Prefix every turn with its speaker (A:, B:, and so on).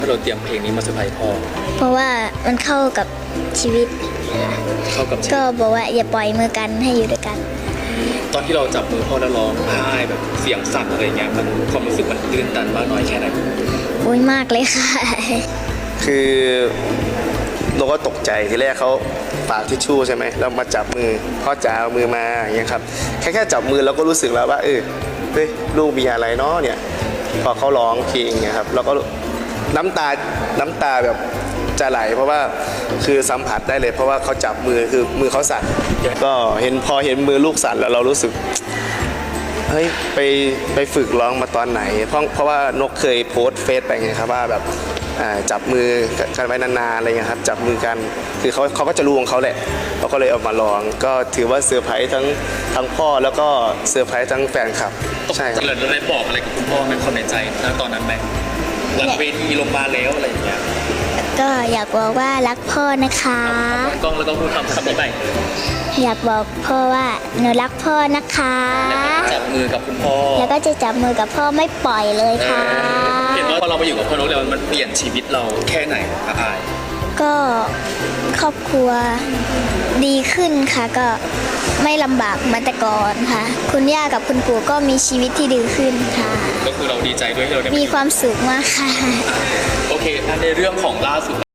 A: เราเตรียมเพลงนี้มาเซอร์ไพรส์พ่อ
B: เพราะว่ามันเข้ากับชีวิตก็บอกว่าอย่าปล่อยมือกันให้อยู่ด้วยกัน
A: ตอนที่เราจับมือพ่อแล้วร้องไห้แบบเสียงสั่นอะไรเงี้ยมันความรู้สึกมันตื่นตันมากน้อยแค่ไหน
B: โอ้ยมากเลยค่ะ
C: คือเราก็ตกใจทีแรกเขาฝากทิชชู่ใช่ไหมแล้วมาจับมือพ่อจ๋าเอามือมาอย่างเงี้ยครับแค่จับมือเราก็รู้สึกแล้วว่าเฮ้ยลูกมีอะไรเนาะเนี่ยพอเขาร้องเพลงเนี่ยครับเราก็น้ำตาแบบจะไหลเพราะว่าคือสัมผัสได้เลยเพราะว่าเขาจับมือคือมือเขาสั่นก็พอเห็นมือลูกสั่นแล้วเรารู้สึกเฮ้ยไปฝึกร้องมาตอนไหนเพราะว่านกเคยโพสต์เฟซไปไงครับว่าแบบจับมือกันไว้นานๆอะไรเงี้ยครับจับมือกันคือเขาก็จะรู้ของเขาแหละเขาก็เลยเอามาร้องก็ถือว่าเซอร์ไพรส์ทั้งพ่อแล้วก็เซอร์ไพรส์ทั้งแฟนคลับ
A: ใช่ครับเราได้บอกอะไรกับคุณพ่อในความในใจณตอนนั้นไหมหลังเวทีลงมาแล้วอะไรอย่างเงี้ย
B: ก็อยากบอกว่ารักพ่อนะคะ
A: กล้องแล้วก็พูดคำนี้ไป
B: อยากบอกพ่อว่าหนูรักพ่อนะคะ
A: จับมือกับคุณพ่อ
B: แล้วก็จะจับมือกับพ่อไม่ปล่อยเลยค่ะ
A: เห็นว่าพอเราไปอยู่กับพ่อนกแล้วมันเปลี่ยนชีวิตเราแค่ไหนครับอาย
B: ก็ครอบครัวดีขึ้นค่ะก็ไม่ลำบากเหมือนแต่ก่อนค่ะคุณย่ากับคุณปู่ก็มีชีวิตที่ดีขึ้นค่ะ
A: ก็คือเราดีใจด้วยที่เราได้
B: มีความสุขมากค่ะ
A: โอเคในเรื่องของล่าสุด